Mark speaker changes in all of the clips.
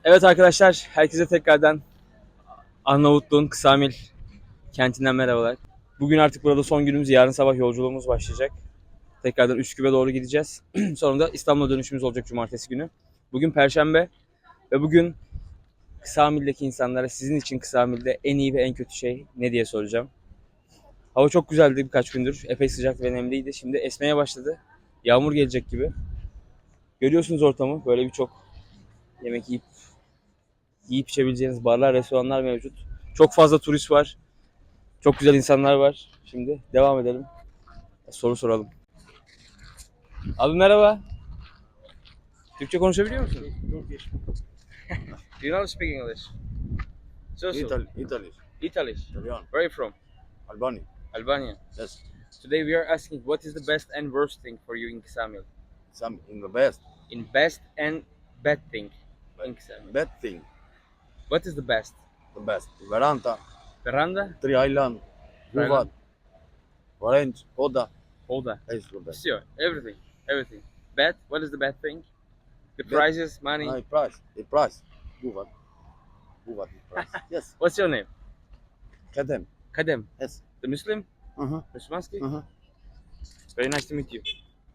Speaker 1: Evet arkadaşlar, herkese tekrardan Arnavutluğun Kısamil kentinden merhabalar. Bugün artık burada son günümüz, yarın sabah yolculuğumuz başlayacak. Tekrardan Üsküp'e doğru gideceğiz. Sonra da İstanbul'a dönüşümüz olacak cumartesi günü. Bugün Perşembe ve bugün Kısamil'deki insanlara sizin için Kısamil'de en iyi ve en kötü şey ne diye soracağım. Hava çok güzeldi birkaç gündür. Epey sıcak ve nemliydi. Şimdi esmeye başladı. Yağmur gelecek gibi. Görüyorsunuz ortamı. Böyle birçok yemek yiyip içebileceğiniz barlar, restoranlar mevcut. Çok fazla turist var. Çok güzel insanlar var. Şimdi devam edelim. Soru soralım. Abi merhaba. Türkçe konuşabiliyor musun?
Speaker 2: Turkish.
Speaker 1: Do you know speak English?
Speaker 2: Italy. Italy.
Speaker 1: Italy.
Speaker 2: Italian.
Speaker 1: Where are you from?
Speaker 2: Albania.
Speaker 1: Albania.
Speaker 2: Yes.
Speaker 1: Today we are asking what is the best and worst thing for you in Ksamil?
Speaker 2: Some in the best.
Speaker 1: In best and bad thing in Ksamil.
Speaker 2: Bad thing.
Speaker 1: What is the best?
Speaker 2: The best. Veranta.
Speaker 1: Veranda?
Speaker 2: Three Island. Guvat. Orange. Oda.
Speaker 1: Oda.
Speaker 2: Is the best.
Speaker 1: Sure. Everything. Everything. Bad? What is the bad thing? The
Speaker 2: Bad.
Speaker 1: prices, money.
Speaker 2: My price. The price. Guvat. Guvat is price. Yes.
Speaker 1: What's your name?
Speaker 2: Kadem.
Speaker 1: Kadem.
Speaker 2: Yes.
Speaker 1: The Muslim?
Speaker 2: Uh-huh.
Speaker 1: Muslimanski?
Speaker 2: Uh-huh.
Speaker 1: Very nice to meet you.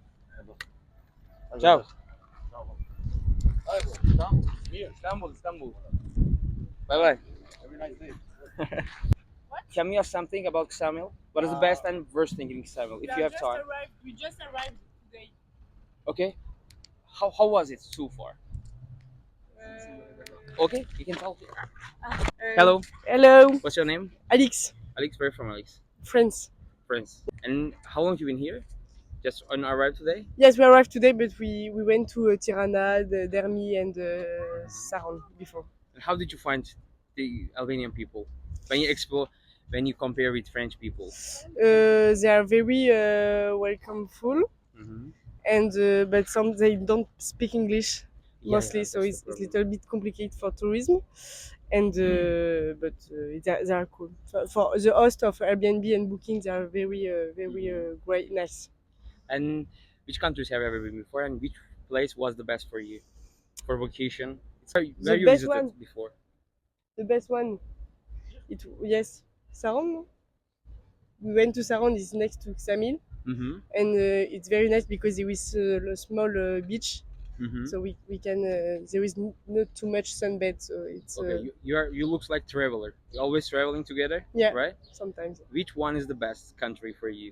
Speaker 1: Ciao. Istanbul. Bye bye.
Speaker 2: Have a nice day.
Speaker 1: Tell me something about Ksamil. What is the best and worst thing in Ksamil, if you have time?
Speaker 3: We just arrived today.
Speaker 1: Okay. How was it so far? Okay, you can talk. Hello.
Speaker 3: Hello,
Speaker 1: What's your name?
Speaker 3: Alex,
Speaker 1: Alex. Where from, Alex?
Speaker 3: friends.
Speaker 1: France. And how long you been here? Just on arrived today?
Speaker 3: Yes, we arrived today, but we went to Tirana, Dermi, and Saron before.
Speaker 1: And how did you find the Albanian people when you compare with French people?
Speaker 3: They are very welcomeful,
Speaker 1: Mm-hmm.
Speaker 3: and but some they don't speak English mostly, so
Speaker 1: that's
Speaker 3: it's
Speaker 1: the
Speaker 3: a little bit complicated for tourism. And but they are cool. For the host of Airbnb and Booking, they are very great, nice.
Speaker 1: And which countries have you ever been before, and which place was the best for you for vacation? Where you
Speaker 3: best
Speaker 1: visited
Speaker 3: one.
Speaker 1: before?
Speaker 3: The best one, yes, Saron. No? We went to Saron. It's next to Ksamil,
Speaker 1: Mm-hmm.
Speaker 3: and it's very nice because there is a small beach,
Speaker 1: Mm-hmm.
Speaker 3: so we can. There is not too much sunbed, so it's
Speaker 1: Okay, you looks like traveler. You always traveling together,
Speaker 3: yeah,
Speaker 1: right?
Speaker 3: sometimes.
Speaker 1: Which one is the best country for you?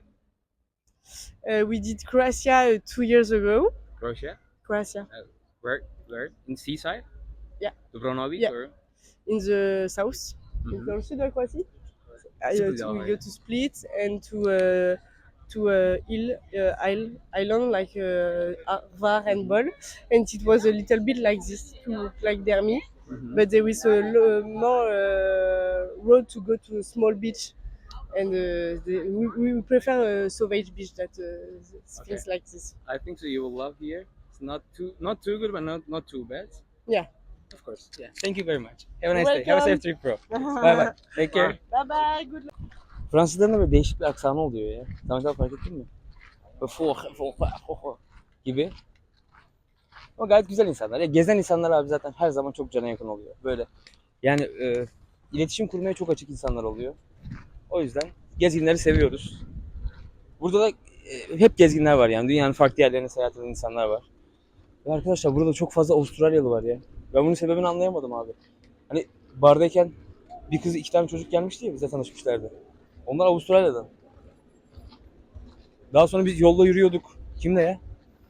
Speaker 3: We did Croatia 2 years ago.
Speaker 1: Croatia?
Speaker 3: Croatia
Speaker 1: Where? In seaside?
Speaker 3: Yeah.
Speaker 1: Dubrovnik
Speaker 3: Yeah.
Speaker 1: or?
Speaker 3: in the south,
Speaker 1: Mhm.
Speaker 3: dans le sud de la Croatie.
Speaker 1: Split,
Speaker 3: We
Speaker 1: yeah.
Speaker 3: go to Split and to island like Var and Bol, and it was a little bit like this, too, like Dermi,
Speaker 1: Mhm.
Speaker 3: but there is a more road to go to a small beach, and we prefer Sauvage Beach that things like this.
Speaker 1: I think so. You will love here. It's not too good, but not too bad.
Speaker 3: Yeah.
Speaker 1: Of course. Yeah. Thank you very much. Have a
Speaker 3: You're
Speaker 1: nice day. Have a safe
Speaker 3: welcome.
Speaker 1: trip, bro. Bye bye. Take care.
Speaker 3: Bye bye. Good luck.
Speaker 1: Fransızların da böyle değişik bir aksanı oluyor ya. Sen fark ettin mi? Böyle gibi. Ama gayet güzel insanlar. Ya gezen insanlar abi zaten her zaman çok cana yakın oluyor. Böyle yani iletişim kurmaya çok açık insanlar oluyor. O yüzden gezginleri seviyoruz. Burada da hep gezginler var yani. Dünyanın farklı yerlerine seyahat eden insanlar var. Ve arkadaşlar burada çok fazla Avustralyalı var ya. Ben bunun sebebini anlayamadım abi. Hani bardayken bir kız iki tane çocuk gelmişti ya, bize tanışmışlardı. Onlar Avustralya'dan. Daha sonra biz yolda yürüyorduk. Kimle ya?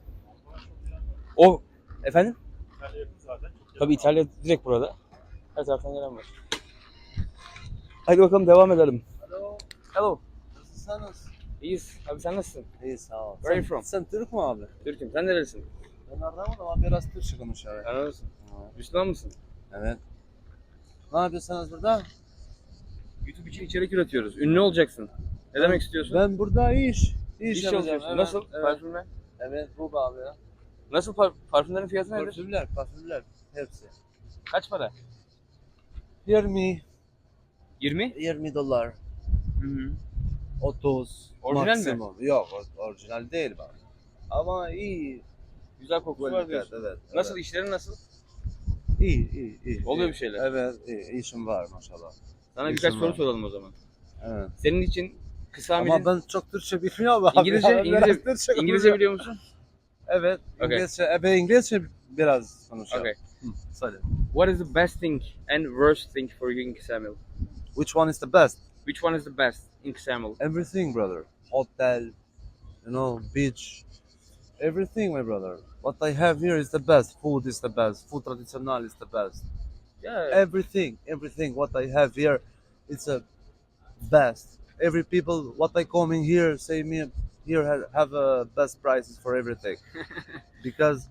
Speaker 1: O efendim? Tabii İtalya direkt burada. Her taraftan gelen var. Hadi bakalım devam edelim. Hello.
Speaker 4: Nasılsınız?
Speaker 1: İyiyiz. Abi sen nasılsın?
Speaker 4: İyi sağ ol.
Speaker 1: Where are you from?
Speaker 4: Sen Türk mü abi?
Speaker 1: Türk'üm. Sen nerelisin?
Speaker 4: Ben anlamadım ama biraz Türkçe konuşuyor.
Speaker 1: Anadolu'sun. Müslüman mısın?
Speaker 4: Evet. Ne yapıyorsunuz burada?
Speaker 1: YouTube için içerik üretiyoruz. Ünlü olacaksın. Ne demek istiyorsun?
Speaker 4: Ben burada iş
Speaker 1: İş
Speaker 4: yapacağım.
Speaker 1: çalışıyorsun.
Speaker 4: Evet,
Speaker 1: Nasıl?
Speaker 4: Evet.
Speaker 1: Parfümler?
Speaker 4: Evet bu abi ya.
Speaker 1: Nasıl parfümlerin fiyatı nedir?
Speaker 4: Parfümler hepsi.
Speaker 1: Kaç para?
Speaker 4: 20
Speaker 1: 20?
Speaker 4: 20 dolar.
Speaker 1: Hı hı.
Speaker 4: 30
Speaker 1: Orijinal mi?
Speaker 4: maksimum. Yok orijinal değil bak. Ama iyi.
Speaker 1: Güzel kokusu var
Speaker 4: Kvalitet,
Speaker 1: diyorsun.
Speaker 4: evet.
Speaker 1: Nasıl
Speaker 4: evet.
Speaker 1: işlerin nasıl?
Speaker 2: İyi.
Speaker 1: Oluyor bir şeyler.
Speaker 2: Evet, iyi. İşim var maşallah.
Speaker 1: Sana
Speaker 2: İşim
Speaker 1: birkaç soru
Speaker 2: var.
Speaker 1: soralım o zaman.
Speaker 2: Evet.
Speaker 1: Senin için kısa
Speaker 2: Ama
Speaker 1: hamilin
Speaker 2: ben çok Türkçe bilmiyorum abi.
Speaker 1: İngilizce,
Speaker 2: Ben biraz
Speaker 1: İngilizce,
Speaker 2: Türkçe
Speaker 1: İngilizce
Speaker 2: konuşuyorum.
Speaker 1: biliyor musun?
Speaker 2: Evet,
Speaker 1: Okay.
Speaker 2: İngilizce biraz konuşuyorum.
Speaker 1: Okay.
Speaker 2: Söyle.
Speaker 1: What is the best thing and worst thing for you in Ksamil?
Speaker 2: Which one is the best?
Speaker 1: Which one is the best in Ksamil?
Speaker 2: Everything, brother. Hotel, beach. Everything, my brother. What I have here is the best. Food is the best. Food traditional is the best.
Speaker 1: Yeah.
Speaker 2: Everything. What I have here, it's the best. Every people, what I come in here, say me here have best prices for everything. Because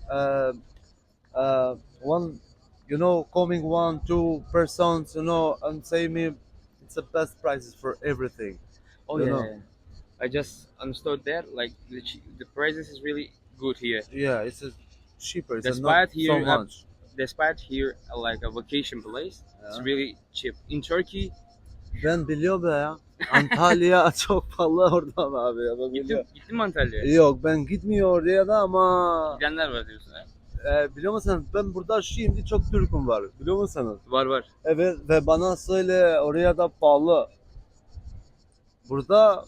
Speaker 2: one, coming 1, 2 persons, and say me, it's the best prices for everything.
Speaker 1: Oh
Speaker 2: You
Speaker 1: yeah.
Speaker 2: know.
Speaker 1: Yeah. I just understood that. Like the prices is really good here.
Speaker 2: Yeah, it's cheaper. It's
Speaker 1: Despite
Speaker 2: not
Speaker 1: here
Speaker 2: so
Speaker 1: you have-
Speaker 2: much.
Speaker 1: Despite here like a vacation place, it's
Speaker 2: Yeah.
Speaker 1: really cheap. In Turkey,
Speaker 2: Ben biliyorum be ya. Antalya çok pahalı oradan abi ya. Ben biliyorum.
Speaker 1: gittin mi Antalya'ya?
Speaker 2: Yok ben gitmiyor oraya da ama
Speaker 1: Gidenler var diyorsun ha?
Speaker 2: biliyor musun ben burada şimdi çok Türk'üm var biliyor musunuz?
Speaker 1: Var.
Speaker 2: Evet ve bana söyle oraya da pahalı. Burada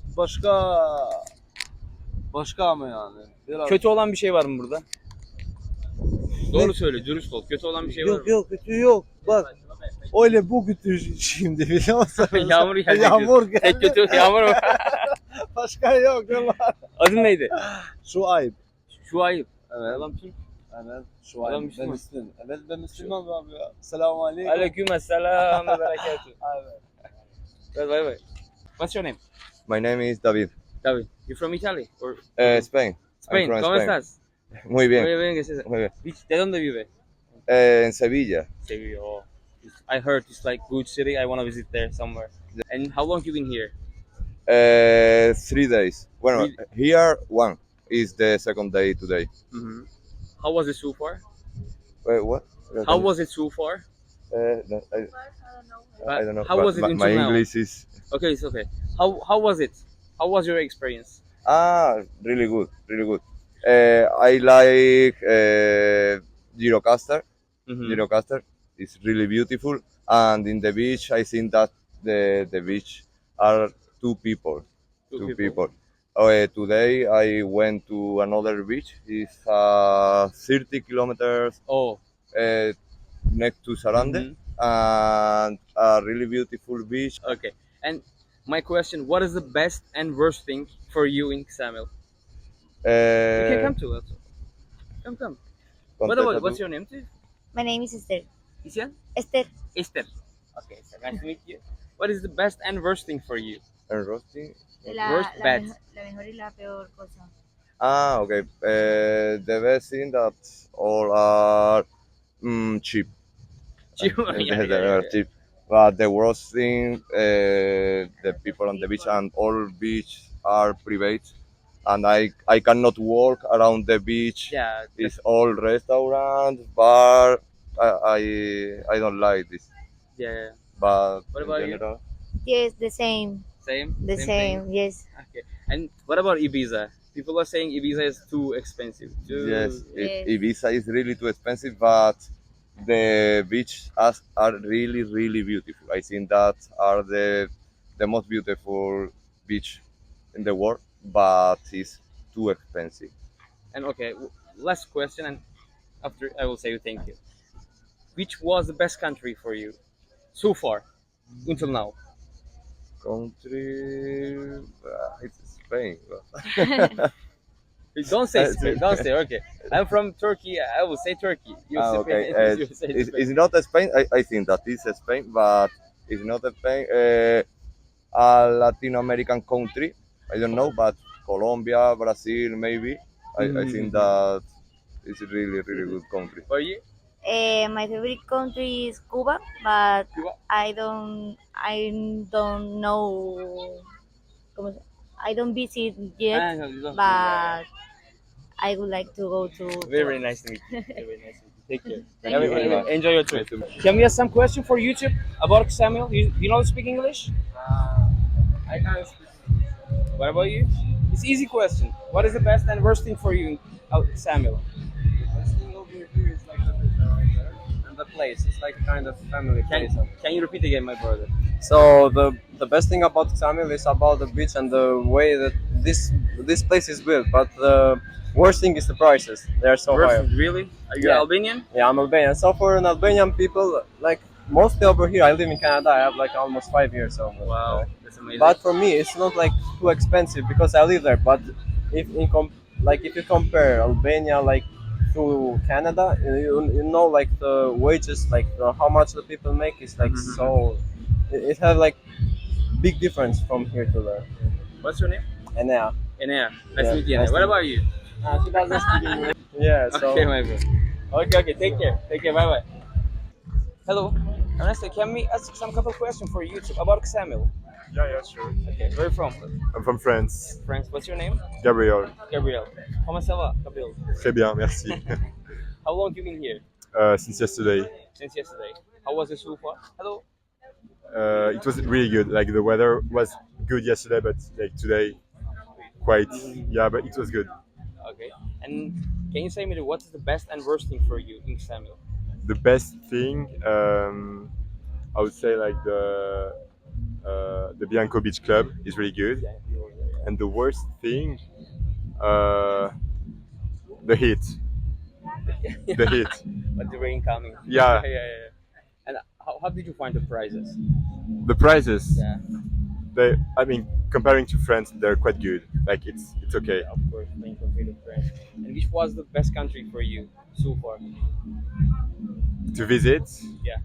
Speaker 2: başka ama yani. Biraz...
Speaker 1: Kötü olan bir şey var mı burada? Doğru söyle, dürüst ol. Kötü olan bir şey var mı?
Speaker 2: Yok kötü yok. Bak öyle bu kötü şimdi biliyor musun?
Speaker 1: Yağmur gelecek.
Speaker 2: Yağmur geldi.
Speaker 1: Tek kötü yağmur mu?
Speaker 2: Başka yok.
Speaker 1: Adın neydi?
Speaker 2: Şu ayıp.
Speaker 1: Şu ayıp.
Speaker 2: Evet.
Speaker 1: Adam kim?
Speaker 2: Evet. Şu
Speaker 1: Adam
Speaker 2: ayıp.
Speaker 1: Müslüman.
Speaker 2: Ben Müslüman. Evet ben Müslüman abi ya. Selamun aleyküm.
Speaker 1: Aleykümselam ve berekatuhu.
Speaker 2: Evet.
Speaker 1: Bye. What's your name?
Speaker 5: My name is David.
Speaker 1: David. You from Italy or
Speaker 5: Spain.
Speaker 1: Spain?
Speaker 5: I'm from
Speaker 1: ¿Cómo
Speaker 5: Spain.
Speaker 1: estás?
Speaker 5: Muy bien,
Speaker 1: Muy bien, gracias.
Speaker 5: muy bien.
Speaker 1: ¿De dónde vive?
Speaker 5: En Sevilla.
Speaker 1: Sevilla. Oh. I heard it's like good city. I want to visit there somewhere. And how long you been here?
Speaker 5: 3 days. Bueno,
Speaker 1: Really?
Speaker 5: here one is the second day today.
Speaker 1: Mm-hmm. How was it so far?
Speaker 5: Wait, what?
Speaker 1: How was it so far?
Speaker 5: No, I don't know.
Speaker 1: How was it
Speaker 5: My
Speaker 1: until now?
Speaker 5: English is
Speaker 1: Okay, it's okay. How was it? How was your experience?
Speaker 5: really good, really good. I like Girocaster.
Speaker 1: Mm-hmm.
Speaker 5: Girocaster is really beautiful, and in the beach, I think that the beach are two people. Two people. Today I went to another beach. It's 30 kilometers
Speaker 1: Oh.
Speaker 5: next to Sarande,
Speaker 1: Mhm.
Speaker 5: and a really beautiful beach.
Speaker 1: Okay. And my question: what is the best and worst thing for you in Samuel? You can come to us. Come. What's your name, too?
Speaker 6: My name is Esther.
Speaker 1: Isyan?
Speaker 6: Esther.
Speaker 1: Esther. Okay, so nice to meet you. What is the best and worst thing for you?
Speaker 5: And roasting.
Speaker 1: Worst, bad.
Speaker 6: La mejor y la peor cosa.
Speaker 5: Okay. The best thing that all are cheap.
Speaker 1: Cheap, yeah,
Speaker 5: They are cheap. But the worst thing, the people on the beach and all beach are private, and I cannot walk around the beach.
Speaker 1: Yeah.
Speaker 5: It's all restaurant, bar. I don't like this.
Speaker 1: Yeah.
Speaker 5: But
Speaker 1: What
Speaker 5: in
Speaker 1: about you?
Speaker 5: general,
Speaker 6: Yes, the same.
Speaker 1: Same.
Speaker 6: The
Speaker 1: thing?
Speaker 6: same. Yes.
Speaker 1: Okay. And what about Ibiza? People are saying Ibiza is too expensive.
Speaker 5: yes,
Speaker 6: Yes.
Speaker 5: Ibiza is really too expensive, but the beaches are really, really beautiful. I think that are the most beautiful beach in the world, but it's too expensive.
Speaker 1: And okay, last question, and after I will say thank you. Which was the best country for you so far, until now?
Speaker 5: Country, it's Spain.
Speaker 1: Don't say Spain. Don't say. Okay, I'm from Turkey. I will say Turkey. You say
Speaker 5: Okay.
Speaker 1: Spain. You say
Speaker 5: It's,
Speaker 1: Spain.
Speaker 5: it's not Spain. I think that is Spain, but it's not Spain. A Latin American country. I don't know, but Colombia, Brazil, maybe. I think that it's a really, really good country.
Speaker 1: For you?
Speaker 6: My favorite country is Cuba, but
Speaker 1: Cuba?
Speaker 6: I don't know. I don't visit yet,
Speaker 1: No, you don't.
Speaker 6: but I would like to go to.
Speaker 1: Very nice to meet you. Very nice to meet you. Take care.
Speaker 6: Thank you very much.
Speaker 1: Enjoy your trip. Can we ask some question for YouTube about Samuel? You know speak English?
Speaker 7: I can't speak.
Speaker 1: What about you? It's easy question. What is the best and worst thing for you, Samuel?
Speaker 7: The best thing over here is like the weather, and place. It's like a kind of family place.
Speaker 1: Can you repeat again, my brother?
Speaker 7: So the best thing about Ksamil is about the beach and the way that this place is built. But the worst thing is the prices. They are so high.
Speaker 1: Really? Are you
Speaker 7: Yeah.
Speaker 1: Albanian?
Speaker 7: Yeah, I'm Albanian. So for an Albanian people, like mostly over here, I live in Canada. I have like almost 5 years. So
Speaker 1: Wow, that's amazing.
Speaker 7: but for me, it's not like too expensive because I live there. But if if you compare Albania like to Canada, you know like the wages, like how much the people make is like
Speaker 1: Mhm.
Speaker 7: so. It has like big difference from here to there.
Speaker 1: What's your name?
Speaker 7: And yeah,
Speaker 1: Enea. Nice
Speaker 7: Yeah,
Speaker 1: to meet you.
Speaker 7: nice
Speaker 1: Enea. What
Speaker 7: to
Speaker 1: about you?
Speaker 7: she doesn't speak English. Yeah. So
Speaker 1: Okay, my bro. Okay. Take care. Bye bye. Hello. Ernesto, can we ask some couple questions for YouTube about Ksamil?
Speaker 8: Yeah, sure.
Speaker 1: Okay. Where are you from?
Speaker 8: I'm from France.
Speaker 1: France. What's your name?
Speaker 8: Gabriel.
Speaker 1: Gabriel. Comment ça va, Gabriel?
Speaker 8: Très bien, merci.
Speaker 1: How long you been here?
Speaker 8: Since yesterday.
Speaker 1: Since yesterday. How was it so far? Hello.
Speaker 8: It was really good. Like the weather was good yesterday, but like today, quite. Yeah, but it was good.
Speaker 1: Okay. And can you say me what is the best and worst thing for you in Ksamil?
Speaker 8: The best thing, I would say, like the Bianco Beach Club is really good, and the worst thing, the heat. The heat.
Speaker 1: But the rain coming.
Speaker 8: Yeah.
Speaker 1: Yeah. And how did you find the prices?
Speaker 8: The prices.
Speaker 1: Yeah.
Speaker 8: I mean, comparing to France, they're quite good. Like it's okay.
Speaker 1: Of course, playing compared to France. And which was the best country for you so far?
Speaker 8: To visit,
Speaker 1: Yeah.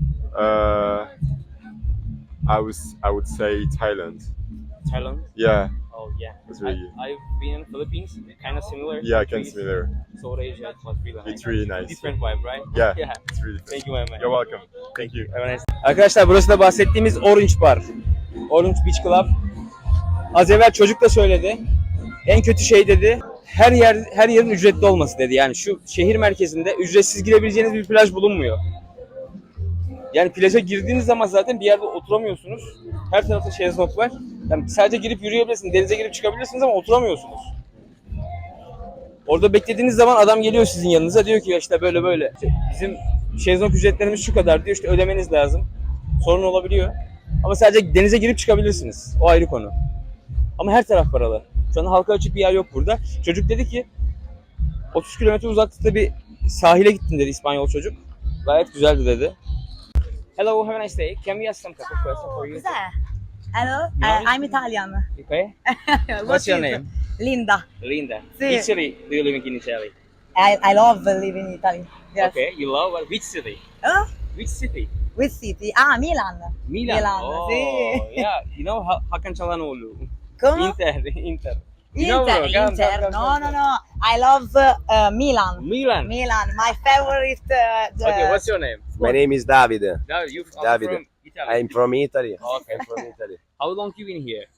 Speaker 8: I would say Thailand.
Speaker 1: Thailand?
Speaker 8: Yeah,
Speaker 1: Oh yeah.
Speaker 8: It's really good.
Speaker 1: I've been in Philippines, kind of similar.
Speaker 8: yeah, I can
Speaker 1: countries.
Speaker 8: similar.
Speaker 1: South Asia, it was really nice.
Speaker 8: It's really nice.
Speaker 1: Different vibe, right?
Speaker 8: Yeah,
Speaker 1: Yeah.
Speaker 8: it's really.
Speaker 1: Thank you, my man.
Speaker 8: You're welcome. Thank you.
Speaker 1: Have a nice day. Arkadaşlar burası da bahsettiğimiz Orange Bar. Orange Beach Club. Az evvel çocuk da söyledi. En kötü şey dedi. Her yerin ücretli olması dedi. Yani şu şehir merkezinde ücretsiz girebileceğiniz bir plaj bulunmuyor. Yani plaja girdiğiniz zaman zaten bir yerde oturamıyorsunuz. Her tarafta şezlong var. Yani sadece girip yürüyebilirsiniz, denize girip çıkabilirsiniz ama oturamıyorsunuz. Orada beklediğiniz zaman adam geliyor sizin yanınıza diyor ki işte böyle böyle. İşte bizim şezlong ücretlerimiz şu kadar diyor, işte ödemeniz lazım. Sorun olabiliyor. Ama sadece denize girip çıkabilirsiniz. O ayrı konu. Ama her taraf paralı. Şu an halka açık bir yer yok burada. Çocuk dedi ki 30 kilometre uzaklıkta bir sahile gittim dedi İspanyol çocuk. Gayet güzeldi dedi. Hello, have a nice day. Can we ask some couple questions for you?
Speaker 9: Cos'è? Hello,
Speaker 1: No.
Speaker 9: I'm Italian.
Speaker 1: Okay.
Speaker 9: What
Speaker 1: What's your
Speaker 9: is-
Speaker 1: name?
Speaker 9: Linda.
Speaker 1: Linda.
Speaker 9: Sì.
Speaker 1: Which city do you live in Italy?
Speaker 9: I love living in Italy. Yes.
Speaker 1: Okay, you love which city?
Speaker 9: Huh?
Speaker 1: Which city?
Speaker 9: Which city? Ah, Milan.
Speaker 1: Milan. Oh,
Speaker 9: sì.
Speaker 1: yeah. You know Hakan Çalhanoğlu.
Speaker 9: Come?
Speaker 1: Inter. You know,
Speaker 9: Inter,
Speaker 1: bro, come,
Speaker 9: Inter.
Speaker 1: come,
Speaker 9: No,
Speaker 1: come,
Speaker 9: no,
Speaker 1: come.
Speaker 9: no. I love Milan.
Speaker 1: Milan.
Speaker 9: Milan, my favorite.
Speaker 1: Okay, what's your name?
Speaker 10: My name is Davide.
Speaker 1: No, you
Speaker 10: Davide.
Speaker 1: from Italy.
Speaker 10: I'm from Italy.
Speaker 1: Okay.
Speaker 10: I'm from Italy.
Speaker 1: How long you been here?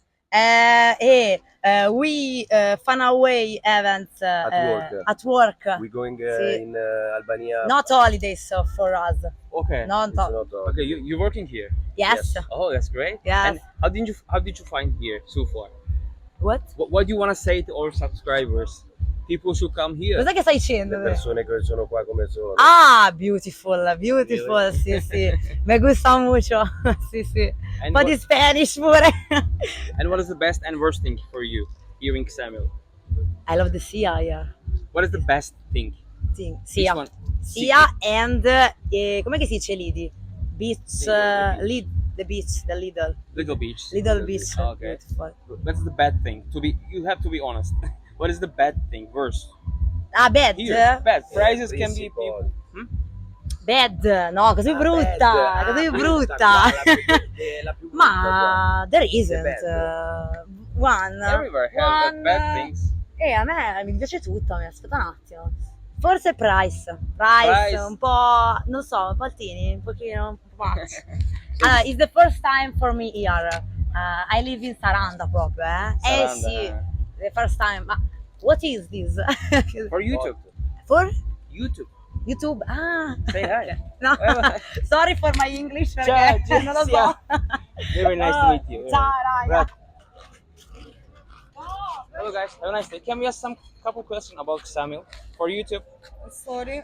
Speaker 9: We fun away events
Speaker 10: At work.
Speaker 9: At work.
Speaker 10: We're going
Speaker 9: Sì.
Speaker 10: in Albania.
Speaker 9: Not holidays for us.
Speaker 1: Okay.
Speaker 9: Not
Speaker 10: It's not all.
Speaker 1: Okay, you're working here.
Speaker 9: yes.
Speaker 1: Oh, that's great.
Speaker 9: Yes.
Speaker 1: And how did you find here so far?
Speaker 9: What?
Speaker 1: What do you want to say to our subscribers? People should come here.
Speaker 9: Cos'è che stai dicendo?
Speaker 10: Le persone che sono qua come sono.
Speaker 9: Ah, beautiful, beautiful, sì, sì. Me gusta mucho, sì, sì. Un
Speaker 1: And
Speaker 9: po'
Speaker 1: what,
Speaker 9: di Spanish pure.
Speaker 1: and what is the best and worst thing for you here in Ksamil?
Speaker 9: I love the sea, yeah.
Speaker 1: What is the best thing?
Speaker 9: Sì,
Speaker 1: Which
Speaker 9: sia.
Speaker 1: one?
Speaker 9: Sia and, com'è che si dice lidi? Beach, the beach, the
Speaker 1: Little Beach.
Speaker 9: little beach.
Speaker 1: Okay.
Speaker 9: Beautiful.
Speaker 1: What's the bad thing? You have to be honest. What is the bad thing? Worst.
Speaker 9: Ah, bad?
Speaker 1: Here, bad. Prices can be
Speaker 10: Principal.
Speaker 1: people.
Speaker 9: Bad? No, così brutta, così brutta.
Speaker 10: La più brutta qua.
Speaker 9: Ma there isn't
Speaker 10: bad.
Speaker 9: one.
Speaker 1: Everywhere has
Speaker 9: one,
Speaker 1: bad things.
Speaker 9: A me mi piace tutto, aspetta un attimo. Forse Price, un po', non so, un po' altini, un pochino, un po' much. Allora, it's the first time for me here. I live in Saranda proprio, eh?
Speaker 1: Saranda.
Speaker 9: Sì, the first time. Ma what is this?
Speaker 1: For YouTube.
Speaker 9: For
Speaker 1: YouTube.
Speaker 9: YouTube? Ah,
Speaker 1: Say hi.
Speaker 9: no,
Speaker 1: Bye-bye.
Speaker 9: sorry for my English perché
Speaker 1: Ciao,
Speaker 9: non lo so.
Speaker 1: Jessica. Very nice to meet you.
Speaker 9: Ciao, raga.
Speaker 1: Hello guys, have a nice day. Can we ask some couple questions about Ksamil? for YouTube.
Speaker 3: Sorry.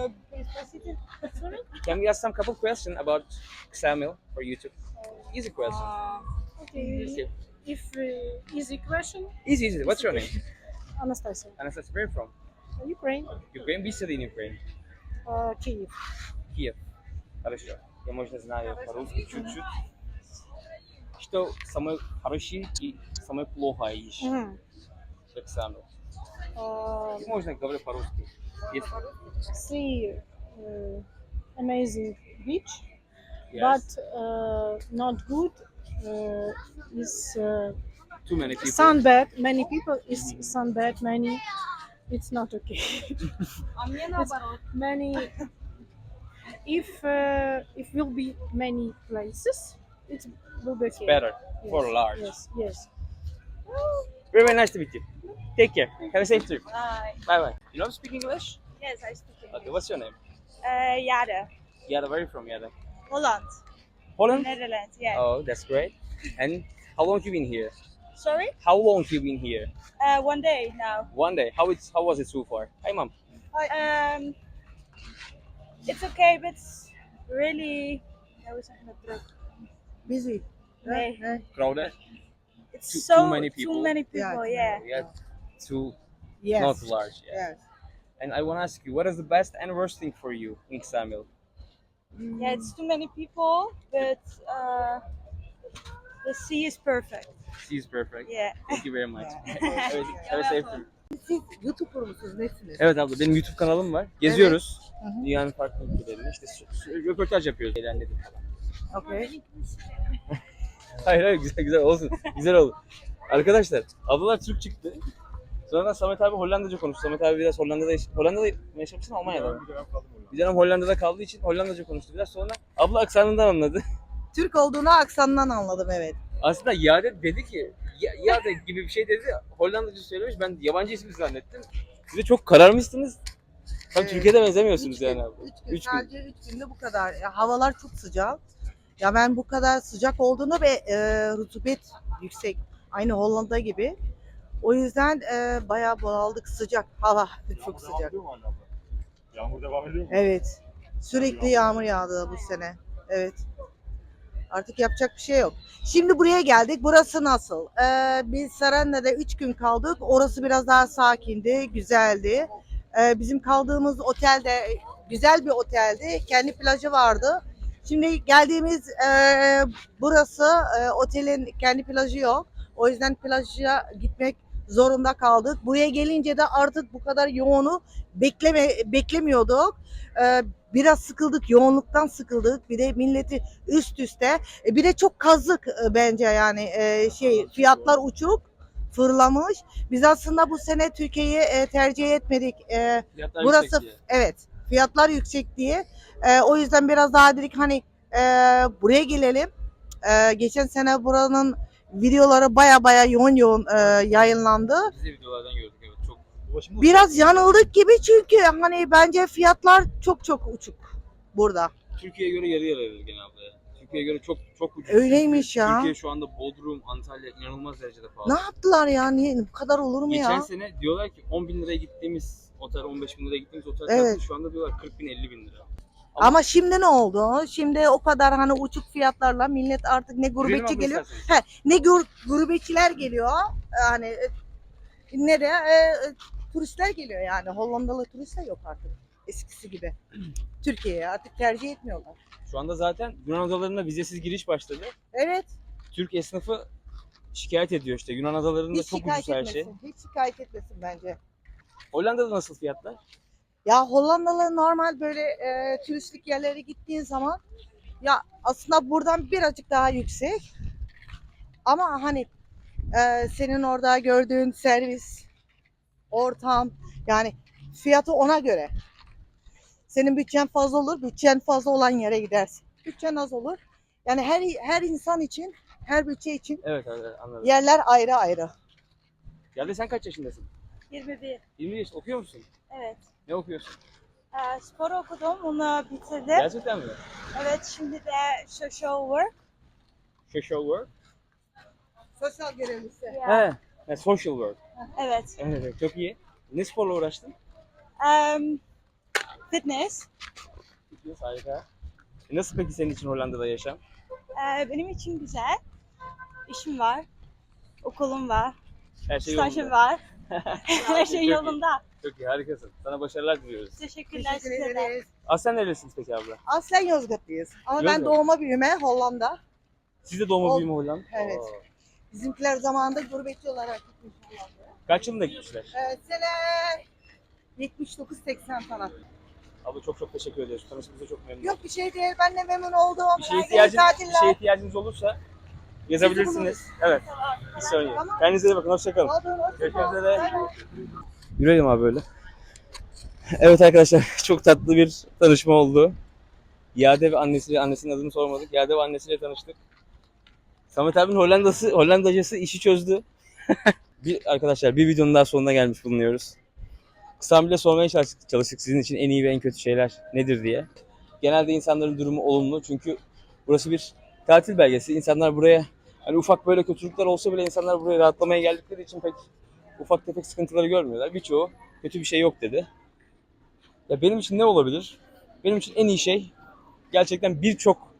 Speaker 1: Can we ask some couple questions about Xamil for YouTube? Easy question.
Speaker 3: Okay.
Speaker 1: Easy.
Speaker 3: If easy question,
Speaker 1: Easy. What's your name?
Speaker 3: Anastasia.
Speaker 1: Anastasia, where are you from?
Speaker 3: Ukraine.
Speaker 1: Ukraine. We study in Ukraine.
Speaker 3: Kyiv.
Speaker 1: Киев. Хорошо. Я, можно, знаю по-русски чуть-чуть. Что самое хорошее и самое плохое ищешь? Xamil. Можно говорить по-русски. Если...
Speaker 3: See amazing beach,
Speaker 1: Yes.
Speaker 3: but not good is
Speaker 1: Too many people.
Speaker 3: sunbed. Many people is sunbed. Many, it's not okay. It's many. If will be many places, it will be okay.
Speaker 1: Better
Speaker 3: Yes,
Speaker 1: for large.
Speaker 3: Yes.
Speaker 1: Very, very nice to meet you. Take care. Have a safe trip.
Speaker 9: Bye.
Speaker 1: Bye bye. You know to speak English?
Speaker 9: Yes, I speak English.
Speaker 1: Okay, what's your name?
Speaker 9: Yada.
Speaker 1: Yada, where are you from, Yada?
Speaker 9: Holland.
Speaker 1: Holland?
Speaker 9: Netherlands, yeah.
Speaker 1: Oh, that's great. And how long you been here?
Speaker 9: Sorry?
Speaker 1: How long you been here?
Speaker 9: 1 day now.
Speaker 1: 1 day. How was it so far? Hi, mom.
Speaker 9: It's okay, but it's really...
Speaker 3: Busy.
Speaker 9: Nee.
Speaker 1: Crowded?
Speaker 9: It's
Speaker 1: Too many people.
Speaker 9: Too many people, yeah.
Speaker 1: Yeah. Too
Speaker 3: Yes.
Speaker 1: not large. Yeah.
Speaker 3: Yes.
Speaker 1: And I want to ask you, what is the best and worst thing for you in Xamil?
Speaker 9: Yeah, it's too many people, but the sea is perfect.
Speaker 1: She's perfect.
Speaker 9: Yeah.
Speaker 1: Thank you very much. Have a safe trip.
Speaker 3: Siz YouTuber musunuz? Nesiniz?
Speaker 1: Evet abla, benim YouTube kanalım var. Geziyoruz. Dünyanın farklı ülkelerinde işte röportaj yapıyoruz. Eğlendik falan.
Speaker 3: Okay.
Speaker 1: Hayır güzel olsun. Güzel oldu. Arkadaşlar ablalar Türk çıktı. Sonra Samet abi Hollandaca konuştu. Samet abi biraz Hollanda'da mı yaşamışsın, Almanya'da mı? Bir dönem Hollanda'da kaldığı için Hollandaca konuştu biraz. Sonra abla aksanından anladı.
Speaker 3: Türk olduğunu aksandan anladım, evet.
Speaker 1: Aslında Yade dedi ki Yade gibi bir şey dedi. Hollandaca söylemiş. Ben yabancı ismi zannettim. Siz de çok kararmışsınız. Tam Türkiye'de benzemiyorsunuz yani abi.
Speaker 3: 3 gün.
Speaker 1: Üç gün.
Speaker 3: Sadece 3 günde bu kadar. Ya, havalar çok sıcak. Ya ben bu kadar sıcak olduğunu ve rutubet yüksek. Aynı Hollanda gibi. O yüzden bayağı bunaldık, sıcak hava. Çok sıcak.
Speaker 8: Yağmur devam ediyor mu?
Speaker 3: Evet. Sürekli yağmur yağdı bu sene. Evet. Artık yapacak bir şey yok. Şimdi buraya geldik. Burası nasıl? Biz Saranda'da 3 gün kaldık. Orası biraz daha sakindi, güzeldi. Bizim kaldığımız otel de güzel bir oteldi. Kendi plajı vardı. Şimdi geldiğimiz burası otelin kendi plajı yok. O yüzden plaja gitmek zorunda kaldık. Buraya gelince de artık bu kadar yoğunu beklemiyorduk. Biraz sıkıldık, yoğunluktan sıkıldık. Bir de milleti üst üste. Bir de çok kazık bence yani fiyatlar uçuk, fırlamış. Biz aslında bu sene Türkiye'yi tercih etmedik.
Speaker 1: Fiyatlar
Speaker 3: Burası
Speaker 1: yüksek diye.
Speaker 3: evet, fiyatlar yüksek diye. O yüzden biraz daha dedik hani buraya gelelim. Geçen sene buranın videoları baya yoğun yayınlandı.
Speaker 1: Biz de videolardan gördük evet. Çok
Speaker 3: Biraz yanıldık gibi çünkü hani bence fiyatlar çok uçuk burada.
Speaker 1: Türkiye'ye göre yarı yarıya genelde. Türkiye'ye göre çok ucuz.
Speaker 3: Öyleymiş ya.
Speaker 1: Türkiye şu anda Bodrum, Antalya inanılmaz derecede pahalı.
Speaker 3: Ne yaptılar ya? Niye bu kadar olur mu
Speaker 1: Geçen
Speaker 3: ya?
Speaker 1: sene diyorlar ki 10 bin liraya gittiğimiz otel, 15 bin liraya gittiğimiz otel
Speaker 3: Evet.
Speaker 1: fiyatı şu anda diyorlar 40 bin 50 bin lira.
Speaker 3: Ama şimdi ne oldu? Şimdi o kadar hani uçuk fiyatlarla millet artık ne gurbetçi
Speaker 1: Yürüyelim abla
Speaker 3: geliyor.
Speaker 1: isterseniz.
Speaker 3: Ne gurbetçiler geliyor. Hani ne de turistler geliyor yani. Hollandalı turistler yok artık. Eskisi gibi. Türkiye'ye artık tercih etmiyorlar.
Speaker 1: Şu anda zaten Yunan adalarına vizesiz giriş başladı.
Speaker 3: Evet.
Speaker 1: Türk esnafı şikayet ediyor işte. Yunan adalarında
Speaker 3: Hiç
Speaker 1: çok
Speaker 3: şikayet
Speaker 1: ucuz her şey.
Speaker 3: etmesin. Hiç şikayet etmesin bence.
Speaker 1: Hollanda'da nasıl fiyatlar?
Speaker 3: Ya Hollandalı normal böyle turistik yerlere gittiğin zaman ya aslında buradan birazcık daha yüksek. Ama hani senin orada gördüğün servis, ortam yani fiyatı ona göre. Senin bütçen fazla olur, bütçen fazla olan yere gidersin. Bütçen az olur. Yani her insan için, her bütçe için
Speaker 1: Evet anladım.
Speaker 3: yerler ayrı ayrı.
Speaker 1: Yerde sen kaç yaşındasın?
Speaker 9: 21.
Speaker 1: 20 yaş. Okuyor musun?
Speaker 9: Evet.
Speaker 1: Ne okuyorsun?
Speaker 9: Spor okudum, onu bitirdim.
Speaker 1: Gerçekten mi?
Speaker 9: Evet, şimdi de social work.
Speaker 1: Social work?
Speaker 3: Sosyal görevlisi.
Speaker 1: He. Social work.
Speaker 9: Evet.
Speaker 1: Evet, çok iyi. Ne sporla uğraştın?
Speaker 11: Fitness.
Speaker 1: Harika. Nasıl peki senin için Hollanda'da yaşam?
Speaker 11: Benim için güzel. İşim var. Okulum var.
Speaker 1: Her şey
Speaker 11: Stajım
Speaker 1: yolunda.
Speaker 11: var. Her şey
Speaker 1: Çok iyi.
Speaker 11: yolunda.
Speaker 1: Çok iyi, harikasın. Sana başarılar diliyoruz.
Speaker 11: Teşekkürler
Speaker 3: Teşekkür
Speaker 11: size de.
Speaker 3: ederiz.
Speaker 1: Aslen neresiniz peki abla?
Speaker 3: Aslen Yozgatlıyız. Ama ben
Speaker 1: Yozgat.
Speaker 3: doğma büyüme Hollanda.
Speaker 1: Siz de doğma
Speaker 3: Ol-
Speaker 1: büyüme Hollanda.
Speaker 3: Evet. Bizimkiler zamanında gurbetçi olarak gitmiş Hollanda'ya.
Speaker 1: Kaç yılında gitmişler?
Speaker 3: Sene 79-80 falan.
Speaker 1: Abla çok çok teşekkür ederiz. Tanıştığımıza çok memnun
Speaker 3: Yok bir şey değil. Ben de memnun oldum.
Speaker 1: Bir şeye
Speaker 3: Herkese
Speaker 1: ihtiyacınız, ihtiyacınız olursa yazabilirsiniz. Evet. Bir sorun yok.
Speaker 3: Tamam.
Speaker 1: Kendinize iyi bakın. Hoşçakalın.
Speaker 3: Oldu.
Speaker 1: Görüşmek üzere. Yürüyelim abi böyle. Evet arkadaşlar, çok tatlı bir tanışma oldu. Yade ve annesinin adını sormadık. Yade ve annesiyle tanıştık. Samet abinin Hollandacası işi çözdü. Arkadaşlar bir videonun daha sonuna gelmiş bulunuyoruz. Kısa bile sormaya çalıştık sizin için en iyi ve en kötü şeyler nedir diye. Genelde insanların durumu olumlu çünkü burası bir tatil belgesi. İnsanlar buraya hani ufak böyle kötülükler olsa bile insanlar buraya rahatlamaya geldikleri için pek ufak tefek sıkıntıları görmüyorlar. Birçoğu kötü bir şey yok dedi. Ya benim için ne olabilir? Benim için en iyi şey gerçekten birçok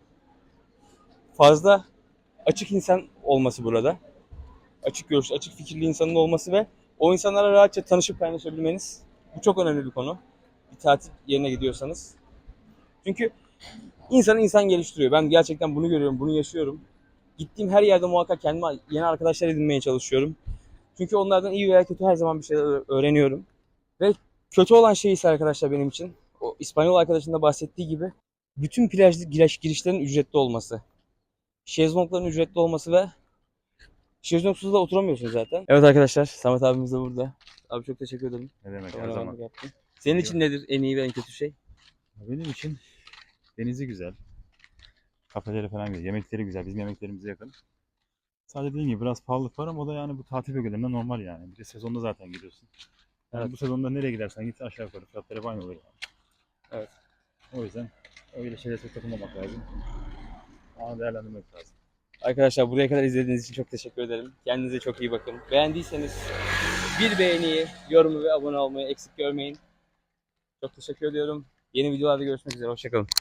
Speaker 1: fazla açık insan olması burada. Açık görüşlü, açık fikirli insanın olması ve o insanlarla rahatça tanışıp kaynaşabilmeniz. Bu çok önemli bir konu. Bir tatil yerine gidiyorsanız. Çünkü insan geliştiriyor. Ben gerçekten bunu görüyorum, bunu yaşıyorum. Gittiğim her yerde muhakkak kendime yeni arkadaşlar edinmeye çalışıyorum. Çünkü onlardan iyi veya kötü her zaman bir şeyler öğreniyorum. Ve kötü olan şey ise arkadaşlar benim için, o İspanyol arkadaşın da bahsettiği gibi bütün plaj girişlerin ücretli olması. Şezlongların ücretli olması ve şezlongsuz da oturamıyorsun zaten. Evet arkadaşlar, Samet abimiz de burada. Abi çok teşekkür ederim.
Speaker 8: Ne demek her
Speaker 1: Kameramanlık
Speaker 8: zaman.
Speaker 1: yaptın. Senin için nedir en iyi ve en kötü şey?
Speaker 8: Benim için denizi güzel. Kafeleri falan güzel. Yemekleri güzel. Bizim yemeklerimize yakın. Sadece dediğim gibi biraz pahalılık var ama o da yani bu tatil bölgelerinde normal yani. Bir de sezonda zaten gidiyorsun. Yani
Speaker 1: Evet.
Speaker 8: bu sezonda nereye gidersen git aşağı yukarı fiyatları aynı olur yani.
Speaker 1: Evet.
Speaker 8: O yüzden öyle şeylere çok takılmamak lazım. Ama değerlendirmek lazım.
Speaker 1: Arkadaşlar buraya kadar izlediğiniz için çok teşekkür ederim. Kendinize çok iyi bakın. Beğendiyseniz bir beğeniyi, yorumu ve abone olmayı eksik görmeyin. Çok teşekkür ediyorum. Yeni videolarda görüşmek üzere. Hoşçakalın.